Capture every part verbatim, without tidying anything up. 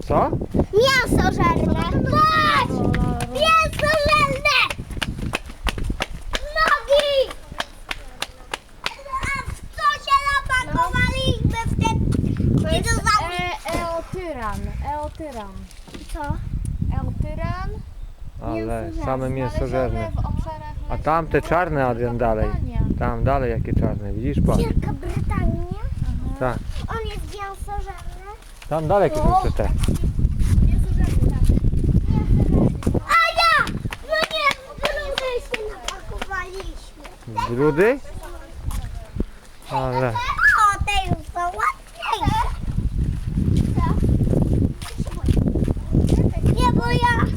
Co? Mięso żelne. Patrz! Mięso żelne! Nogi! A w co się napakowaliśmy w ten To jest dinozaur? e, eotyran. Eotyran. Co? Eotyran. Ale same mięsożerne. W obszarach A tam te czarne, Adrian, dalej. Tam dalej jakie czarne, widzisz pan? Wielka Brytania. Tak. On jest mięsożerny. Tam dalej jakieś jeszcze te. A ja! No nie, w grudy się napakowaliśmy. Brudy? Ale O, te już są ładniejsze. Nie, bo ja...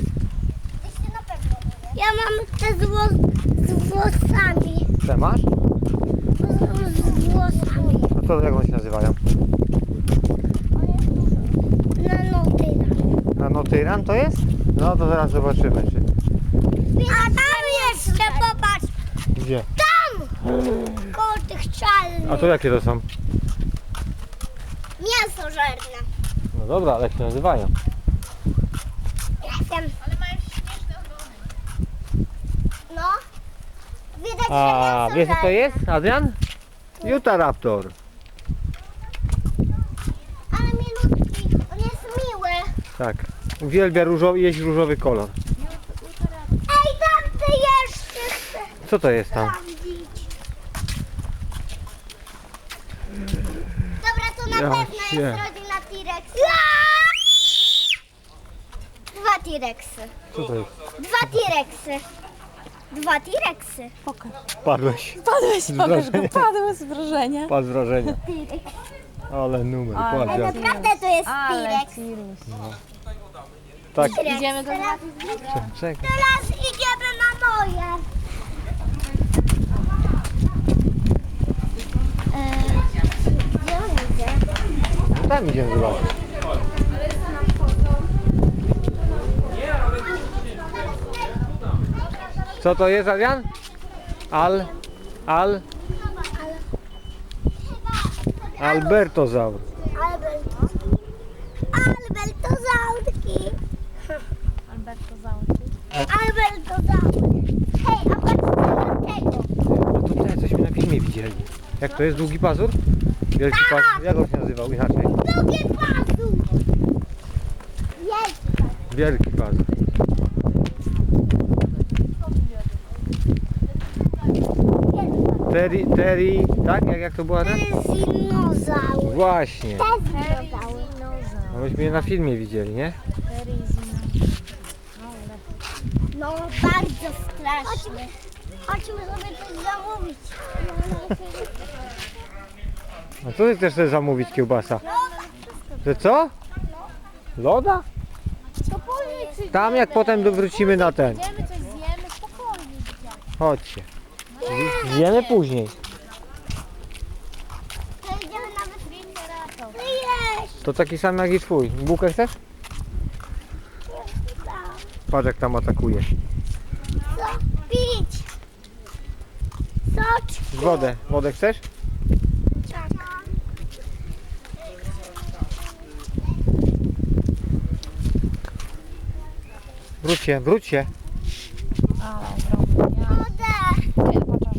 Ja mam te z, włos, z włosami. te masz? Z, z włosami. No to jak one się nazywają? Na notyna. Nanotyran to jest? No to zaraz zobaczymy. Czy... A tam jeszcze, popatrz. Gdzie? Tam! Koło tych czarnych. A to jakie to są? Mięsożerne. No dobra, ale jak się nazywają? Jestem. Ale mają śmieszne ogony. No. Widać, A że wiesz co to mięsożerne. jest, Adrian? Utahraptor. Ale milutki. On jest miły. Tak. Uwielbia różowy, jeść różowy kolor. Ej, tam ty jeszcze chcę Co to jest tam? sprawdzić. Dobra, to na Ja pewno się- jest rodzina T-Rexa. Dwa T-Rexy. Co to jest? Dwa T-Rexy. Dwa T-Rexy. Pokaż. Padłeś. Padłeś, pokaż go. wrażenia. Padły z wrażenia. Padł z wrażenia. T-Rex. Ale numer, Ale- patrz jak. Naprawdę to jest Ale T-Rex. Cirus. Tak. T-Rex. Idziemy go zobaczyć? Czekaj. Teraz idziemy na moje. Eee, Gdzie on idzie? No tam idziemy zobaczyć. Co to jest, Adrian? Al... Al... Albertozaur. Alberto. Albertozaurki. Alberto Załty. Albertozaury. Hej, a patrzcie na tego. No tutaj cośmy na filmie widzieli. Jak to jest długi pazur? Wielki pazur. Jak on się nazywał inaczej? Drugi pasów. Jest. Wielki pazur. Terry, Terry, tak? Jak, jak to była ten? Dinozaur. Właśnie. Te dinozaury. No myśmy je na filmie widzieli, nie? No bardzo strasznie. Chodźmy sobie coś zamówić. A co ty chcesz sobie zamówić, kiełbasa? Że co? Loda? To później Tam jak potem wrócimy na ten. przyjdziemy, coś zjemy, spokojnie. Chodźcie. Zjemy później. To idziemy nawet Triceratops. Jeść. To taki sam jak i twój. Bułkę chcesz? Patrz jak tam atakuje. Co pić? Soczki. Wodę. Wodę chcesz? Tak. Wróć się, wróć się.